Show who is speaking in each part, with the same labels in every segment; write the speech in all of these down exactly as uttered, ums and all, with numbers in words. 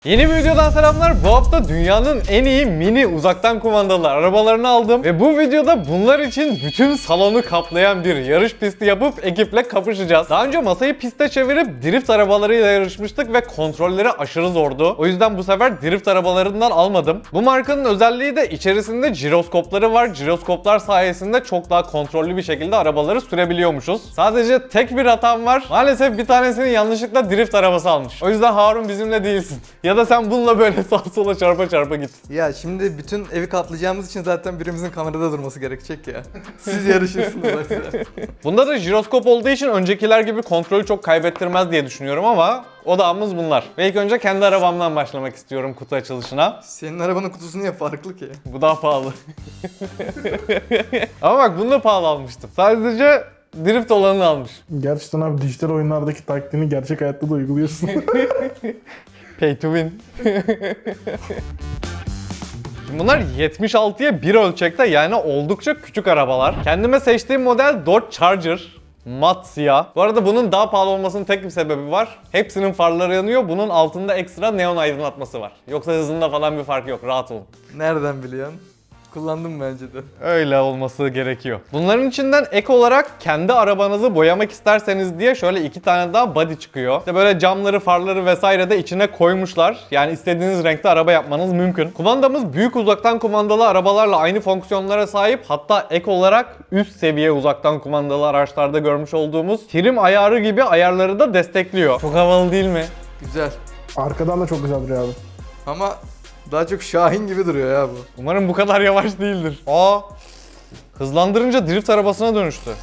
Speaker 1: Yeni bir videodan selamlar. Bu hafta dünyanın en iyi mini uzaktan kumandalı arabalarını aldım ve bu videoda bunlar için bütün salonu kaplayan bir yarış pisti yapıp ekiple kapışacağız. Daha önce masayı piste çevirip drift arabalarıyla yarışmıştık ve kontrolleri aşırı zordu. O yüzden bu sefer drift arabalarından almadım. Bu markanın özelliği de içerisinde jiroskopları var. Jiroskoplar sayesinde çok daha kontrollü bir şekilde arabaları sürebiliyormuşuz. Sadece tek bir hatam var. Maalesef bir tanesini yanlışlıkla drift arabası almış. O yüzden Harun bizimle değilsin. Ya da sen bununla böyle sağa sola çarpa çarpa git.
Speaker 2: Ya şimdi bütün evi kaplayacağımız için zaten birimizin kamerada durması gerekecek ya. Siz yarışırsınız bak.
Speaker 1: Bunda da jiroskop olduğu için öncekiler gibi kontrolü çok kaybettirmez diye düşünüyorum ama odağımız bunlar. Ve ilk önce kendi arabamdan başlamak istiyorum kutu açılışına.
Speaker 2: Senin arabanın kutusu niye farklı ki?
Speaker 1: Bu daha pahalı. Ama bak bunu da pahalı almıştım. Sadece drift olanını almış.
Speaker 3: Gerçekten abi dijital oyunlardaki taktiğini gerçek hayatta da uyguluyorsun.
Speaker 1: Pay to win. Şimdi bunlar yetmiş altıya bir ölçekte, yani oldukça küçük arabalar. Kendime seçtiğim model Dodge Charger. Mat siyah. Bu arada bunun daha pahalı olmasının tek bir sebebi var. Hepsinin farları yanıyor. Bunun altında ekstra neon aydınlatması var. Yoksa hızında falan bir fark yok. Rahat olun.
Speaker 2: Nereden biliyorsun? Kullandım bence de.
Speaker 1: Öyle olması gerekiyor. Bunların içinden ek olarak kendi arabanızı boyamak isterseniz diye şöyle iki tane daha body çıkıyor. İşte böyle camları, farları vesaire de içine koymuşlar. Yani istediğiniz renkte araba yapmanız mümkün. Kumandamız büyük uzaktan kumandalı arabalarla aynı fonksiyonlara sahip. Hatta ek olarak üst seviye uzaktan kumandalı araçlarda görmüş olduğumuz trim ayarı gibi ayarları da destekliyor. Çok havalı değil mi?
Speaker 2: Güzel.
Speaker 3: Arkadan da çok güzel duruyor abi.
Speaker 2: Ama daha çok Şahin gibi duruyor ya bu.
Speaker 1: Umarım bu kadar yavaş değildir. Aa! Hızlandırınca drift arabasına dönüştü.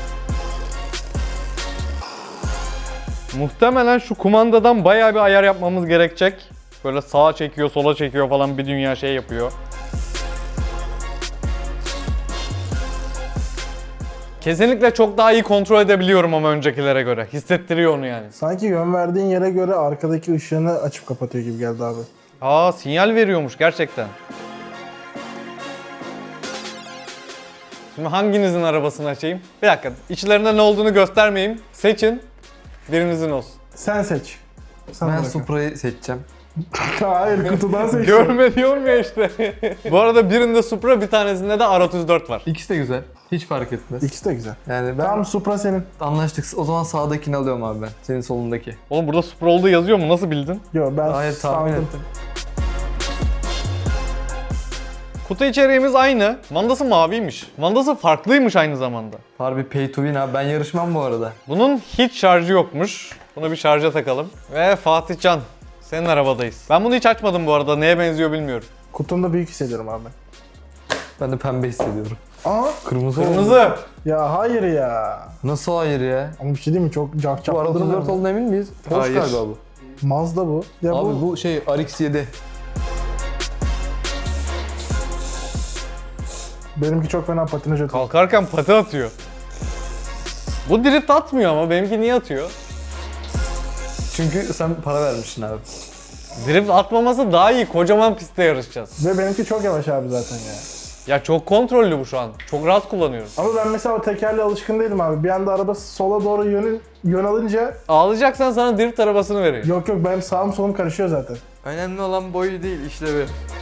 Speaker 1: Muhtemelen şu kumandadan bayağı bir ayar yapmamız gerekecek. Böyle sağa çekiyor, sola çekiyor falan, bir dünya şey yapıyor. Kesinlikle çok daha iyi kontrol edebiliyorum ama öncekilere göre. Hissettiriyor onu yani.
Speaker 3: Sanki yön verdiğin yere göre arkadaki ışığını açıp kapatıyor gibi geldi abi.
Speaker 1: Aa, sinyal veriyormuş gerçekten. Şimdi hanginizin arabasını açayım? Bir dakika, içlerinde ne olduğunu göstermeyeyim. Seçin, birinizin olsun.
Speaker 3: Sen seç. Sen
Speaker 4: Ben
Speaker 3: bırak.
Speaker 4: Supra'yı seçeceğim.
Speaker 3: Hayır, kutudan seç.
Speaker 1: Görme diyorum ya işte. Bu arada birinde Supra, bir tanesinde de R otuz dört var.
Speaker 4: İkisi de güzel. Hiç fark etmez.
Speaker 3: İkisi de güzel.
Speaker 4: Yani ben
Speaker 3: Tamam, Supra senin.
Speaker 4: anlaştık. O zaman sağdakini alıyorum abi ben. Senin solundaki.
Speaker 1: Oğlum burada Supra olduğu yazıyor mu? Nasıl bildin?
Speaker 3: Yo, ben
Speaker 4: Hayır, tahmin
Speaker 3: sandım.
Speaker 4: ettim.
Speaker 1: Kutu içeriğimiz aynı. Mandası maviymiş. Mandası farklıymış aynı zamanda.
Speaker 4: Harbi pay to win abi. Ben yarışmam bu arada.
Speaker 1: Bunun hiç şarjı yokmuş. Bunu bir şarja takalım. Ve Fatih Can, senin arabadayız. Ben bunu hiç açmadım bu arada. Neye benziyor bilmiyorum.
Speaker 3: Kutumda büyük hissediyorum abi.
Speaker 4: Ben de pembe hissediyorum.
Speaker 3: Aa,
Speaker 4: Kırmızı oldu.
Speaker 1: Kırmızı.
Speaker 3: ya hayır ya.
Speaker 4: Nasıl hayır ya?
Speaker 3: Ama bir şey değil mi? Çok cak
Speaker 4: Bu R otuz dört
Speaker 3: durmuyor.
Speaker 4: olduğuna emin miyiz? Porsche
Speaker 2: Hayır.
Speaker 4: galiba bu.
Speaker 3: Mazda bu. Ya
Speaker 4: Abi
Speaker 3: bu,
Speaker 4: bu, şey R X yedi.
Speaker 3: benimki çok fena patinaj atıyor.
Speaker 1: Kalkarken pati atıyor. Bu drift atmıyor ama benimki niye atıyor?
Speaker 4: Çünkü sen para vermişsin abi.
Speaker 1: Drift atmaması daha iyi. Kocaman pistte yarışacağız.
Speaker 3: Ve benimki çok yavaş abi zaten ya.
Speaker 1: Ya çok kontrollü bu şu an. Çok rahat kullanıyorum.
Speaker 3: Ama ben mesela o tekerle alışkın değilim abi. Bir anda araba sola doğru yönü, yön alınca
Speaker 1: Ağlayacaksan sana drift arabasını vereyim.
Speaker 3: yok yok, benim sağım solum karışıyor zaten.
Speaker 2: Önemli olan boyu değil, işlevi.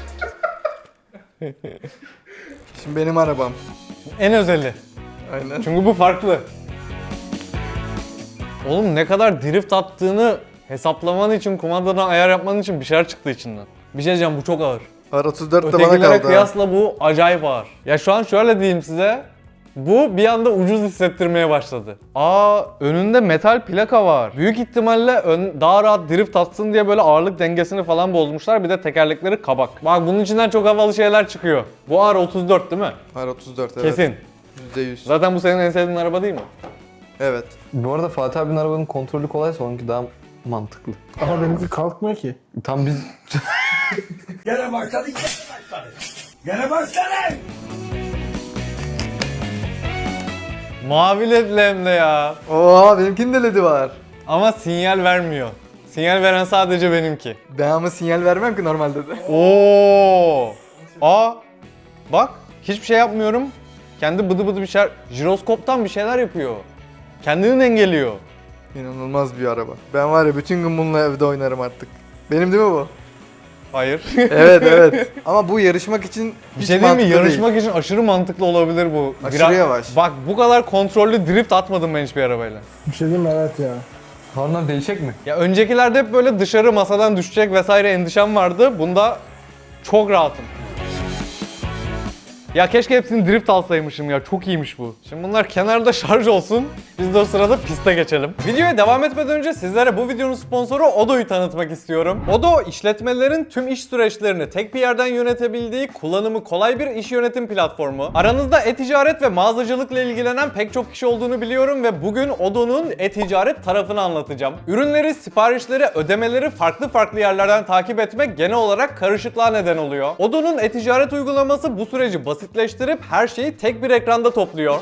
Speaker 2: Şimdi benim arabam.
Speaker 1: En özeli.
Speaker 2: Aynen.
Speaker 1: Çünkü bu farklı. Oğlum ne kadar drift attığını hesaplaman için, kumandadan ayar yapman için bir şeyler çıktı içinden. Bir şey diyeceğim, bu çok ağır.
Speaker 2: R otuz dört de bana
Speaker 1: Ötekilere
Speaker 2: kaldı ha.
Speaker 1: kıyasla bu acayip ağır. Ya şu an şöyle diyeyim size. Bu bir anda ucuz hissettirmeye başladı. Aa, önünde metal plaka var. Büyük ihtimalle ön, daha rahat drift atsın diye böyle ağırlık dengesini falan bozmuşlar. Bir de tekerlekleri kabak. Bak bunun içinden çok havalı şeyler çıkıyor. Bu R otuz dört değil mi?
Speaker 2: R otuz dört evet.
Speaker 1: Kesin.
Speaker 2: yüzde yüz.
Speaker 1: Zaten bu senin en sevdiğin araba değil mi?
Speaker 2: Evet.
Speaker 4: Bu arada Fatih abinin arabanın kontrolü kolaysa onunki daha mantıklı.
Speaker 3: Ama benimki kalkmıyor ki.
Speaker 4: Tam biz...
Speaker 5: Gene başladık, gene başladık. Gene başladık.
Speaker 1: Mavi ledli hem de ya.
Speaker 2: Oo, benimkinin de ledi var.
Speaker 1: Ama sinyal vermiyor. Sinyal veren sadece benimki.
Speaker 2: Ben ama sinyal vermem ki normalde de.
Speaker 1: Oo! Aa! Bak, hiçbir şey yapmıyorum. Kendi bıdı bıdı bir şeyler, jiroskoptan bir şeyler yapıyor. Kendini dengeliyor.
Speaker 2: İnanılmaz bir araba. Ben var ya bütün gün bununla evde oynarım artık. Benim değil mi bu?
Speaker 1: Hayır.
Speaker 2: Evet evet. Ama bu yarışmak için
Speaker 1: Bir
Speaker 2: hiç
Speaker 1: şey diyeyim mi?
Speaker 2: mantıklı
Speaker 1: Yarışmak
Speaker 2: değil.
Speaker 1: için aşırı mantıklı olabilir bu.
Speaker 2: Aşırı yavaş.
Speaker 1: Bak bu kadar kontrollü drift atmadım ben hiçbir arabayla.
Speaker 3: Bir şey diyeyim mi? Evet ya.
Speaker 4: Harun abi değişecek mi?
Speaker 1: Ya öncekilerde hep böyle dışarı masadan düşecek vesaire endişem vardı. Bunda çok rahatım. Ya keşke hepsini drift alsaymışım ya. Çok iyiymiş bu. Şimdi bunlar kenarda şarj olsun. Biz de o sırada piste geçelim. Videoya devam etmeden önce sizlere bu videonun sponsoru Odoo'yu tanıtmak istiyorum. Odoo, işletmelerin tüm iş süreçlerini tek bir yerden yönetebildiği, kullanımı kolay bir iş yönetim platformu. Aranızda e-ticaret ve mağazacılıkla ilgilenen pek çok kişi olduğunu biliyorum ve bugün Odoo'nun e-ticaret tarafını anlatacağım. Ürünleri, siparişleri, ödemeleri farklı farklı yerlerden takip etmek genel olarak karışıklığa neden oluyor. Odoo'nun e-ticaret uygulaması bu süreci basitleştirip her şeyi tek bir ekranda topluyor.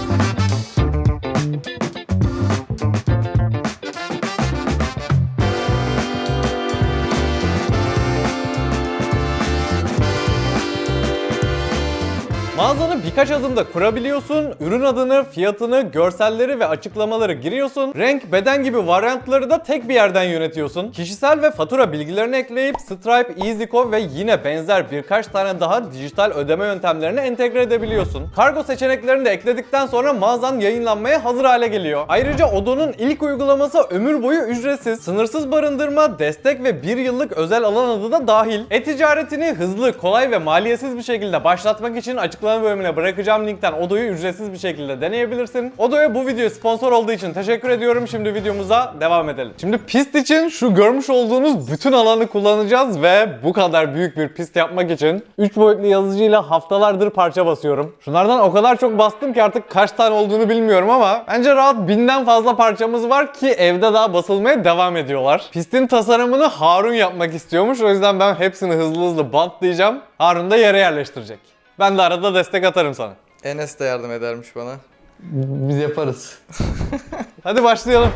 Speaker 1: Mağazanı birkaç adımda kurabiliyorsun, ürün adını, fiyatını, görselleri ve açıklamaları giriyorsun, renk, beden gibi varyantları da tek bir yerden yönetiyorsun. Kişisel ve fatura bilgilerini ekleyip Stripe, EasyCo ve yine benzer birkaç tane daha dijital ödeme yöntemlerini entegre edebiliyorsun. Kargo seçeneklerini de ekledikten sonra mağazan yayınlanmaya hazır hale geliyor. Ayrıca Odoo'nun ilk uygulaması ömür boyu ücretsiz, sınırsız barındırma, destek ve bir yıllık özel alan adı da dahil. E-ticaretini hızlı, kolay ve maliyetsiz bir şekilde başlatmak için açıklama bölümüne bırakacağım linkten Odoo'yu ücretsiz bir şekilde deneyebilirsin. Odoo'ya bu video sponsor olduğu için teşekkür ediyorum. Şimdi videomuza devam edelim. Şimdi pist için şu görmüş olduğunuz bütün alanı kullanacağız ve bu kadar büyük bir pist yapmak için üç boyutlu yazıcıyla haftalardır parça basıyorum. Şunlardan o kadar çok bastım ki artık kaç tane olduğunu bilmiyorum ama bence rahat binden fazla parçamız var ki evde daha basılmaya devam ediyorlar. Pistin tasarımını Harun yapmak istiyormuş. O yüzden ben hepsini hızlı hızlı bantlayacağım. Harun da yere yerleştirecek. Ben de arada destek atarım sana.
Speaker 2: Enes de yardım edermiş bana.
Speaker 4: Biz yaparız.
Speaker 1: Hadi başlayalım.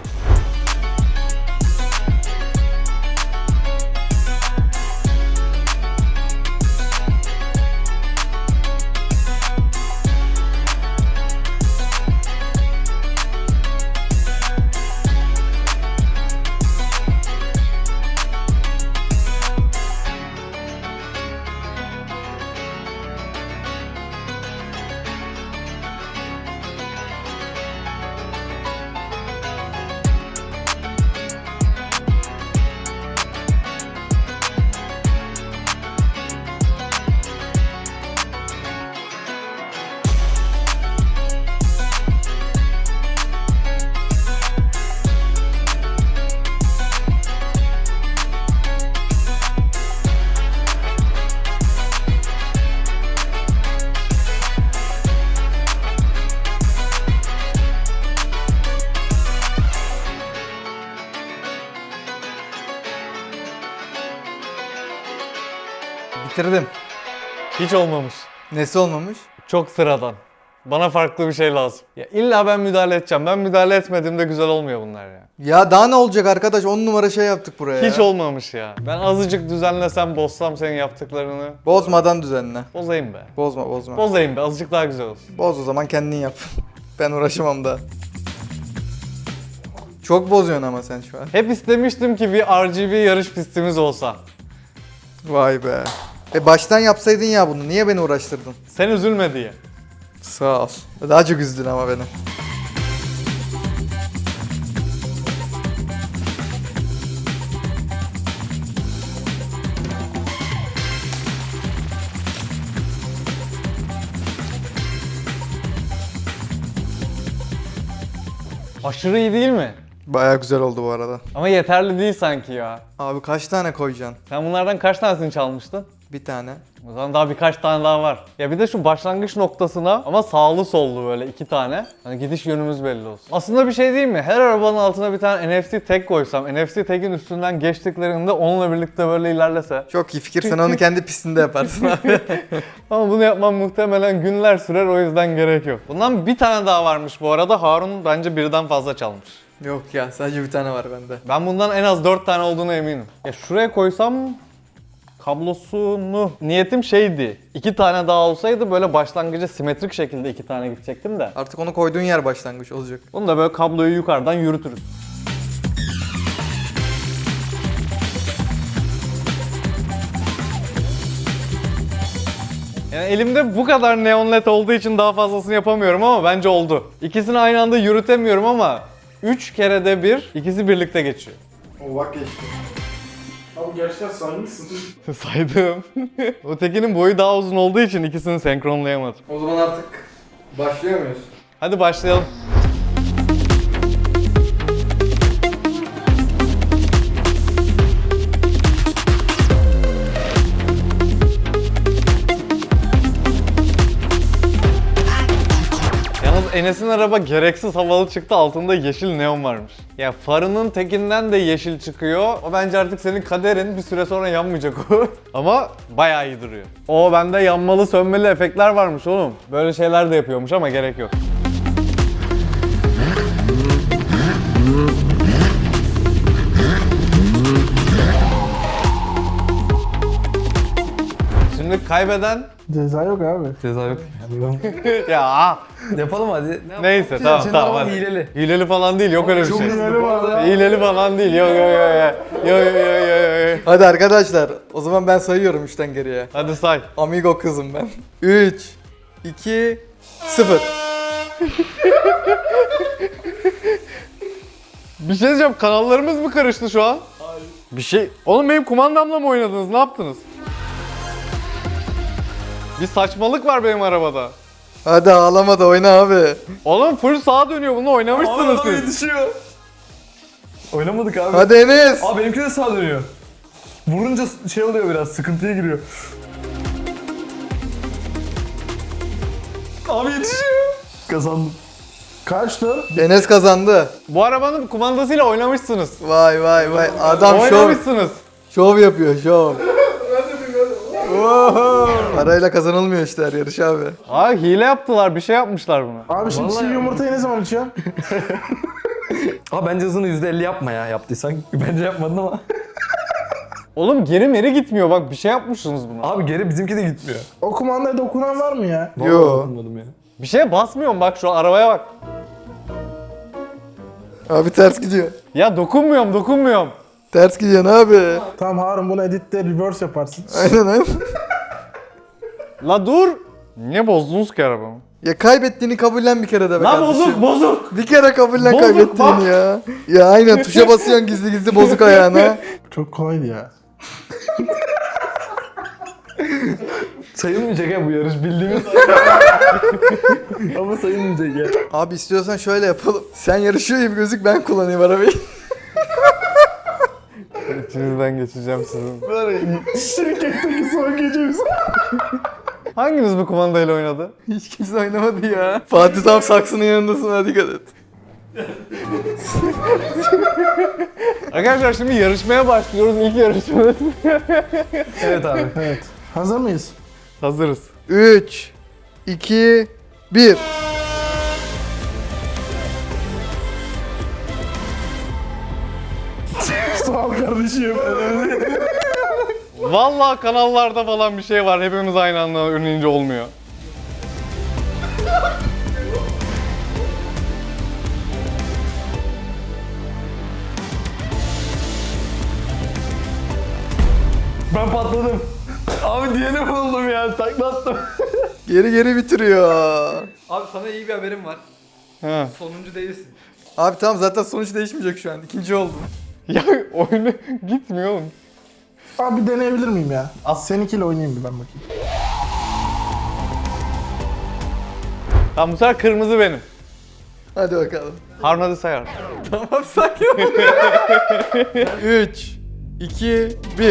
Speaker 2: Bitirdim.
Speaker 1: Hiç olmamış.
Speaker 2: Nesi olmamış?
Speaker 1: Çok sıradan. Bana farklı bir şey lazım. Ya illa ben müdahale edeceğim. Ben müdahale etmediğimde güzel olmuyor bunlar ya.
Speaker 2: Ya daha ne olacak arkadaş? on numara şey yaptık buraya
Speaker 1: Hiç
Speaker 2: ya.
Speaker 1: olmamış ya. Ben azıcık düzenlesem, bozsam senin yaptıklarını.
Speaker 2: Bozmadan düzenle.
Speaker 1: Bozayım be.
Speaker 2: Bozma bozma.
Speaker 1: Bozayım be. Azıcık daha güzel olsun.
Speaker 2: Boz o zaman kendin yap. Ben uğraşamam da. Çok bozuyorsun ama sen şu an.
Speaker 1: Hep istemiştim ki bir R G B yarış pistimiz olsa.
Speaker 2: Vay be. E baştan yapsaydın ya bunu. Niye beni uğraştırdın?
Speaker 1: Sen üzülme diye.
Speaker 2: Sağ ol. Daha çok üzdün ama beni.
Speaker 1: Aşırı iyi değil mi?
Speaker 2: Baya güzel oldu bu arada.
Speaker 1: Ama yeterli değil sanki ya.
Speaker 2: Abi kaç tane koyacaksın?
Speaker 1: Sen bunlardan kaç tanesini çalmıştın?
Speaker 2: Bir tane.
Speaker 1: O zaman daha birkaç tane daha var. Ya bir de şu başlangıç noktasına ama sağlı sollu böyle iki tane. Hani gidiş yönümüz belli olsun. Aslında bir şey değil mi? Her arabanın altına bir tane N F C tag koysam, N F C tag'in üstünden geçtiklerinde onunla birlikte böyle ilerlese.
Speaker 2: Çok iyi fikir. Sen onu kendi pistinde yaparsın abi.
Speaker 1: Ama bunu yapmam muhtemelen günler sürer, o yüzden gerek yok. Bundan bir tane daha varmış bu arada. Harun bence birden fazla çalmış.
Speaker 2: Yok ya sadece bir tane var bende.
Speaker 1: Ben bundan en az dört tane olduğuna eminim. Ya şuraya koysam kablosunu, niyetim şeydi. iki tane daha olsaydı böyle başlangıca simetrik şekilde iki tane gidecektim de.
Speaker 2: Artık onu koyduğun yer başlangıç olacak.
Speaker 1: Bunu da böyle kabloyu yukarıdan yürütürüz. Yani elimde bu kadar neon led olduğu için daha fazlasını yapamıyorum ama bence oldu. İkisini aynı anda yürütemiyorum ama üç kerede bir ikisi birlikte geçiyor.
Speaker 3: O bak geçti. Abi gerçekten saymışsın.
Speaker 1: Saydım. Ötekinin boyu daha uzun olduğu için ikisini senkronlayamadım.
Speaker 2: O zaman artık başlıyor muyuz?
Speaker 1: Hadi başlayalım. Yalnız Enes'in araba gereksiz havalı çıktı, altında yeşil neon varmış. Ya farının tekinden de yeşil çıkıyor. O bence artık senin kaderin, bir süre sonra yanmayacak o. Ama bayağı iyi duruyor. O bende yanmalı sönmeli efektler varmış oğlum. Böyle şeyler de yapıyormuş ama gerek yok. Şimdi kaybeden
Speaker 3: Ceza yok abi.
Speaker 4: Ceza yok.
Speaker 1: ya
Speaker 4: Yapalım hadi. Ne
Speaker 1: neyse tamam
Speaker 4: Senin
Speaker 1: tamam
Speaker 4: araban
Speaker 1: hadi.
Speaker 4: hileli.
Speaker 1: Hileli falan değil, yok öyle bir şey.
Speaker 3: Hileli var.
Speaker 1: Hileli falan değil, yok yok yok yok yok yok yok yok.
Speaker 2: Hadi arkadaşlar, o zaman ben sayıyorum üçten geriye.
Speaker 1: Hadi say.
Speaker 2: Amigo kızım ben. üç, iki, sıfır.
Speaker 1: Bir şey diyeceğim, kanallarımız mı karıştı şu an? Hayır. Bir şey... Oğlum benim kumandamla mı oynadınız, ne yaptınız? Bir saçmalık var benim arabada.
Speaker 2: Hadi ağlama da oyna abi.
Speaker 1: Oğlum full sağa dönüyor, bunu oynamışsınız siz.
Speaker 4: yetişiyor. Oynamadık abi.
Speaker 2: Hadi Enes.
Speaker 4: Abi benimki de sağa dönüyor. Vurunca şey oluyor, biraz sıkıntıya giriyor. Abi yetişiyor. Kazandım.
Speaker 3: Kaç tur?
Speaker 2: Enes kazandı.
Speaker 1: Bu arabanın kumandasıyla oynamışsınız.
Speaker 2: Vay vay vay. Adam şov,
Speaker 1: Oynamışsınız.
Speaker 2: şov yapıyor şov. Oho. Parayla kazanılmıyor işte her yarış abi.
Speaker 1: Abi hile yaptılar, bir şey yapmışlar buna.
Speaker 3: Abi şimdi
Speaker 4: Vallahi
Speaker 3: çiğ
Speaker 4: ya.
Speaker 3: yumurtayı ne zaman içiyorsun?
Speaker 4: Abi bence hızını yüzde elli yapma ya, yaptıysan. Bence yapmadın ama.
Speaker 1: Oğlum geri meri gitmiyor, bak bir şey yapmışsınız buna.
Speaker 4: Abi geri bizimki de gitmiyor.
Speaker 3: O kumandaya dokunan var mı ya?
Speaker 4: Vallahi
Speaker 2: Yo.
Speaker 4: dokunmadım ya.
Speaker 1: Bir şeye basmıyorum, bak şu arabaya bak.
Speaker 2: Abi ters gidiyor.
Speaker 1: Ya dokunmuyorum, dokunmuyorum.
Speaker 2: Ters gidiyorsun abi.
Speaker 3: Tamam Harun, bunu editte reverse yaparsın.
Speaker 2: Aynen aynen.
Speaker 1: La dur. Niye bozdunuz ki arabamı?
Speaker 2: Ya kaybettiğini kabullen bir kere de be
Speaker 1: La
Speaker 2: kardeşim.
Speaker 1: bozuk, bozuk.
Speaker 2: Bir kere kabullen
Speaker 1: Bozuk,
Speaker 2: kaybettiğini
Speaker 1: bak.
Speaker 2: ya. Ya aynen, tuşa basıyorsun gizli gizli bozuk ayağına.
Speaker 3: Çok kolaydı ya.
Speaker 4: Sayılmayacak ya bu yarış, bildiğimiz. Ama sayılmayacak ya.
Speaker 2: Abi istiyorsan şöyle yapalım. Sen yarışıyor gibi gözük, ben kullanayım arabayı.
Speaker 1: İçinizden geçeceğim sizin.
Speaker 3: Şirketteki son gecemiz.
Speaker 1: Hanginiz bu kumandayla oynadı?
Speaker 2: Hiç kimse oynamadı ya. Fatih tam saksının yanındasın, hadi dikkat et.
Speaker 1: Arkadaşlar şimdi yarışmaya başlıyoruz. İlk yarışmada.
Speaker 4: Evet abi.
Speaker 3: Evet. Hazır mıyız?
Speaker 1: Hazırız.
Speaker 2: üç, iki, bir.
Speaker 3: Sağ ol kardeşim.
Speaker 1: Vallahi kanallarda falan bir şey var. Hepimiz aynı anda önleyince olmuyor.
Speaker 4: Ben patladım. Abi diğerini buldum ya, taklattım.
Speaker 2: Geri geri bitiriyor. Abi sana iyi bir haberim var.
Speaker 1: Ha.
Speaker 2: Sonuncu değilsin. Abi tamam, zaten sonuç değişmeyecek şu an. İkinci oldum.
Speaker 1: Ya oyunu gitmiyor oğlum.
Speaker 3: Abi bir deneyebilir miyim ya? Seninkiyle oynayayım bir ben bakayım.
Speaker 1: Tamam, bu sefer kırmızı benim.
Speaker 2: Hadi bakalım.
Speaker 1: Harun hadi sayar.
Speaker 2: Tamam, sakin ol. üç, iki, bir.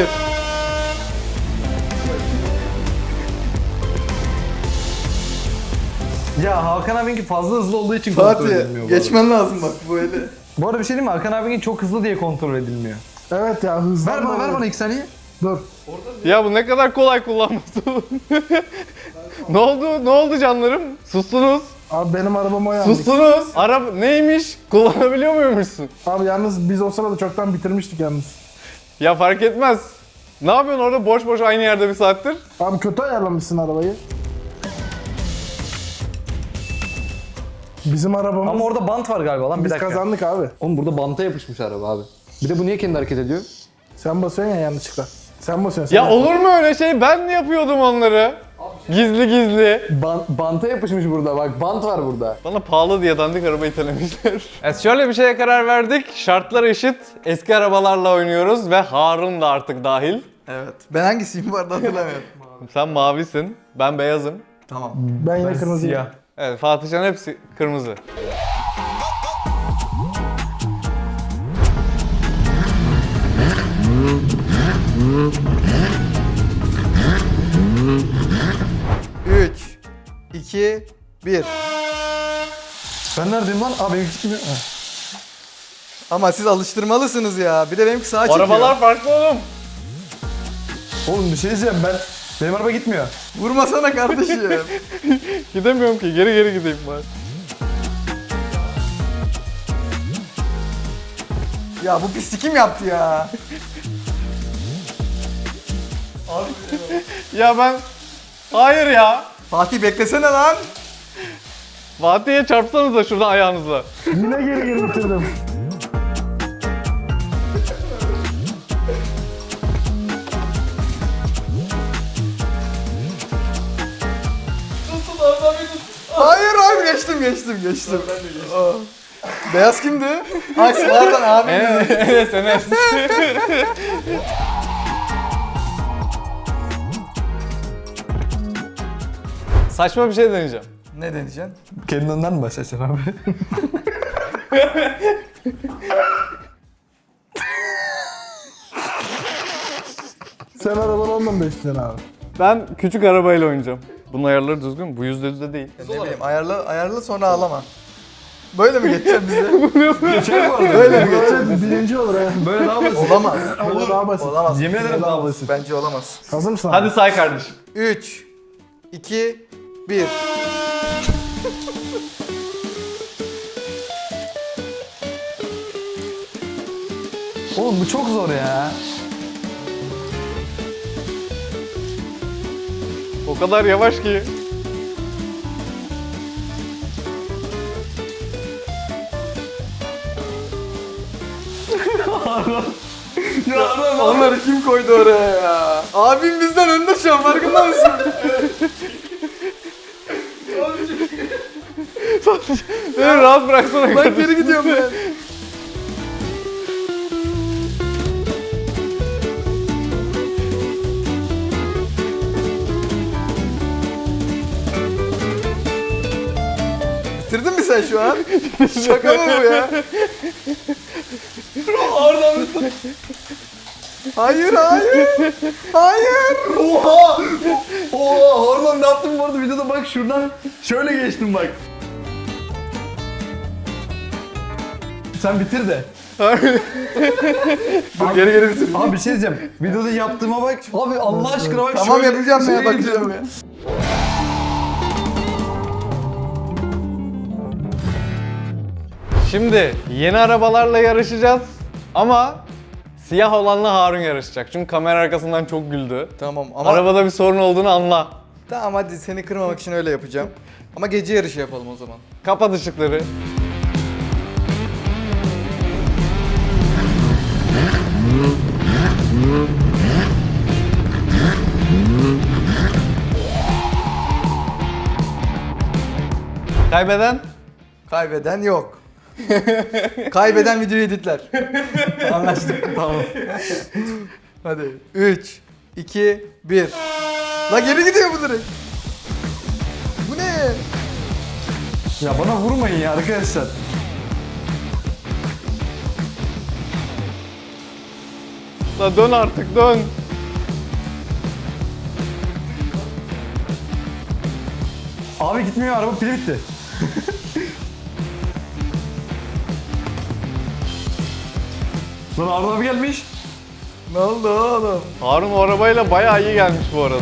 Speaker 4: Ya Hakan abinki fazla hızlı olduğu için kontrol
Speaker 2: Fatih,
Speaker 4: edilmiyor bu arada.
Speaker 2: geçmen lazım bak bu eli.
Speaker 4: Bu arada bir şey diyeyim mi? Hakan abinki çok hızlı diye kontrol edilmiyor.
Speaker 3: Evet ya, hızlı.
Speaker 4: Ver bana, ver bana iki saniye.
Speaker 3: Dur.
Speaker 1: Ya bu ne kadar kolay kullanması oğlum. Ne oldu? Ne oldu canlarım? Sustunuz.
Speaker 3: Abi benim arabam o yalnız.
Speaker 1: Sustunuz. Araba neymiş? Kullanabiliyor muymuşsun?
Speaker 3: Abi yalnız biz o sırada çoktan bitirmiştik yalnız.
Speaker 1: Ya fark etmez. Ne yapıyorsun orada boş boş aynı yerde bir saattir?
Speaker 3: Abi kötü ayarlamışsın arabayı. Bizim arabamız...
Speaker 4: Ama orada bant var galiba lan, bir
Speaker 3: biz
Speaker 4: dakika.
Speaker 3: kazandık abi.
Speaker 4: Oğlum burada banta yapışmış araba abi. Bir de bu niye kendi hareket ediyor?
Speaker 3: Sen basıyorsun ya yanlışlıkla. Sen basıyorsun.
Speaker 1: Ya
Speaker 3: sen
Speaker 1: olur mu öyle şey? Ben mi yapıyordum onları?
Speaker 2: Abi
Speaker 1: Gizli gizli.
Speaker 4: Ban- banta yapışmış burada bak, bant var burada.
Speaker 1: Bana pahalı diye dandik araba itelemişler. Evet, şöyle bir şeye karar verdik. Şartlar eşit. Eski arabalarla oynuyoruz ve Harun da artık dahil.
Speaker 2: Evet. Ben hangisiyim bu arada hatırlamıyorum.
Speaker 1: Sen mavisin, ben beyazım.
Speaker 2: Tamam.
Speaker 3: Ben yine kırmızıyım.
Speaker 4: Siyah.
Speaker 1: Evet, Fatihcan hepsi kırmızı.
Speaker 2: üç, iki, bir.
Speaker 4: Ben neredeyim lan? Aa benimki çıkmıyor. Ha.
Speaker 2: Ama siz alıştırmalısınız ya. Bir de benimki sağa
Speaker 1: O
Speaker 2: çekiyor.
Speaker 1: arabalar farklı oğlum.
Speaker 4: Oğlum bir şey diyeceğim, ben benim araba gitmiyor.
Speaker 2: Vurmasana kardeşim.
Speaker 1: Gidemiyorum ki, geri geri gideyim bari.
Speaker 2: Ya bu pislik kim yaptı ya?
Speaker 1: Ya ben... Hayır ya.
Speaker 2: Fatih beklesene lan.
Speaker 1: Fatih'e çarpsanıza şuradan ayağınızla.
Speaker 3: Yine geri geri bitirdim.
Speaker 2: Hayır abi geçtim geçtim geçtim. Aa. Beyaz kimdi? Ay pardon abi.
Speaker 1: Enes, Enes. Saçma bir şey deneyeceğim.
Speaker 2: Ne deneyeceksin?
Speaker 4: Kendinden mi başlayacaksın abi?
Speaker 3: Sen arabanı ondan besleyeceksin abi.
Speaker 1: Ben küçük arabayla oynayacağım. Bunun ayarları düzgün mü? Bu yüzde yüzde değil.
Speaker 2: Ne bileyim ayarla ayarla sonra ağlama. Böyle mi geçeceksin bize?
Speaker 4: Geçer bu arada.
Speaker 2: Böyle mi geçeceksin?
Speaker 3: Evet, birinci olur ha.
Speaker 4: Böyle daha basit.
Speaker 2: Olamaz.
Speaker 3: Olur daha basit.
Speaker 2: Olamaz.
Speaker 4: Yemin ederim daha basit.
Speaker 2: Bence olamaz.
Speaker 3: Hazır mısın
Speaker 1: Hadi
Speaker 3: abi?
Speaker 1: say kardeşim.
Speaker 2: üç, iki, bir.
Speaker 4: Oğlum bu çok zor ya.
Speaker 1: O kadar yavaş ki.
Speaker 2: Onları kim koydu oraya ya? Abim bizden önde şu an farkında mısın?
Speaker 1: Beni rahat bıraksana
Speaker 2: Ben
Speaker 1: kardeşim.
Speaker 2: geri gidiyorum ben. Bitirdin mi sen şu an? Şaka mı bu ya? Hayır hayır. Hayır.
Speaker 4: Oha! Oha! Hormon ne yaptım bu arada videoda, bak şuradan şöyle geçtim bak. Sen bitir de.
Speaker 2: Dur geri geri bitir.
Speaker 4: Abi bir şey diyeceğim. Videoda yaptığıma bak. Abi Allah aşkına bak.
Speaker 2: Tamam
Speaker 4: şöyle-
Speaker 2: yapacağım ya
Speaker 4: şöyle
Speaker 2: bakacağım ya.
Speaker 1: Şimdi yeni arabalarla yarışacağız ama siyah olanla Harun yarışacak. Çünkü kamera arkasından çok güldü.
Speaker 2: Tamam ama
Speaker 1: Arabada bir sorun olduğunu anla.
Speaker 2: tamam hadi seni kırmamak için öyle yapacağım. Ama gece yarışı yapalım o zaman.
Speaker 1: Kapat ışıkları. Kaybeden?
Speaker 2: Kaybeden yok. Kaybeden videoyu editler. Anlaştık.
Speaker 4: Tamam.
Speaker 2: Hadi. üç, iki, bir. La geri gidiyor bu direkt. Bu ne?
Speaker 4: Ya bana vurmayın ya arkadaşlar.
Speaker 1: La dön artık dön.
Speaker 4: Abi gitmiyor, araba pili bitti. Lan Arda abi gelmiş.
Speaker 2: Ne oldu oğlum?
Speaker 1: Harun o arabayla bayağı iyi gelmiş bu arada.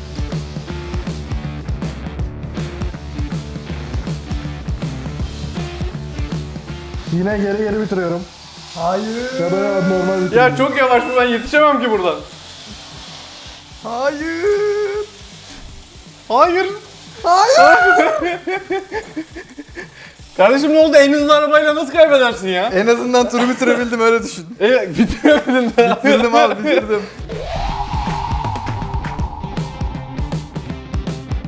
Speaker 3: Yine geri geri bitiriyorum.
Speaker 2: Hayır.
Speaker 3: Ya da normal bitiriyorum.
Speaker 1: Ya çok yavaş bu, ben yetişemem ki buradan.
Speaker 2: Hayır.
Speaker 1: Hayır.
Speaker 2: Hayır.
Speaker 1: Kardeşim ne oldu? En hızlı arabayla nasıl kaybedersin ya?
Speaker 2: En azından turu bitirebildim öyle düşün.
Speaker 1: E, bitiremedin de.
Speaker 2: Bitirdim abi bitirdim.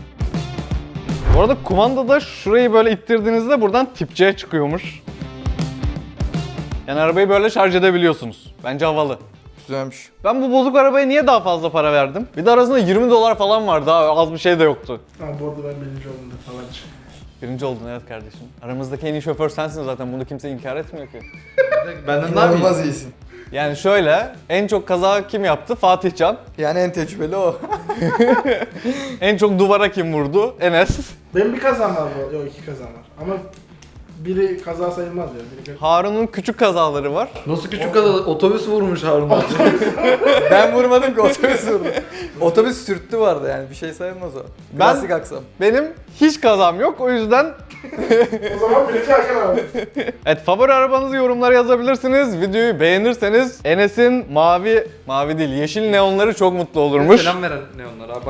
Speaker 1: Bu arada kumandada şurayı böyle ittirdiğinizde buradan tip C çıkıyormuş. Yani arabayı böyle şarj edebiliyorsunuz. Bence havalı.
Speaker 2: Güzelmiş.
Speaker 1: Ben bu bozuk arabaya niye daha fazla para verdim? Bir de arasında yirmi dolar falan vardı, daha az bir şey de yoktu.
Speaker 3: Ama bu arada ben birinci oldum da falan.
Speaker 1: Birinci oldun evet kardeşim. Aramızdaki en iyi şoför sensin zaten, bunu kimse inkar etmiyor ki.
Speaker 4: Benden daha mı iyi?
Speaker 2: İnanılmaz iyisin.
Speaker 1: Yani şöyle, en çok kaza kim yaptı? Fatih Can.
Speaker 2: Yani en tecrübeli o.
Speaker 1: En çok duvara kim vurdu? Enes.
Speaker 3: Benim bir kazam var bu. Yok iki kazam var. Ama biri kaza sayılmaz ya. Biri...
Speaker 1: Harun'un küçük kazaları var.
Speaker 4: Nasıl küçük kadar otobüs vurmuş Harun abi.
Speaker 2: Ben vurmadım ki, otobüs vurdu. Otobüs sürttü vardı yani, bir şey sayılmaz o.
Speaker 1: Ben-
Speaker 2: Klasik aksam.
Speaker 1: Benim hiç kazam yok, o yüzden
Speaker 3: O zaman birinci Hakan abi.
Speaker 1: evet, favori arabanızı yorumlara yazabilirsiniz. Videoyu beğenirseniz Enes'in mavi, mavi değil yeşil neonları çok mutlu olurmuş.
Speaker 4: Selam veren ne onlar abi bak.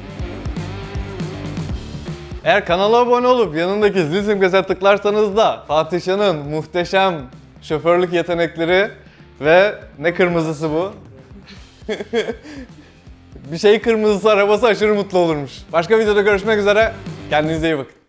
Speaker 1: Eğer kanala abone olup yanındaki zil simgesine tıklarsanız da Fatih Can'ın muhteşem şoförlük yetenekleri ve ne kırmızısı bu? Bir şey kırmızısı arabası aşırı mutlu olurmuş. Başka videoda görüşmek üzere. Kendinize iyi bakın.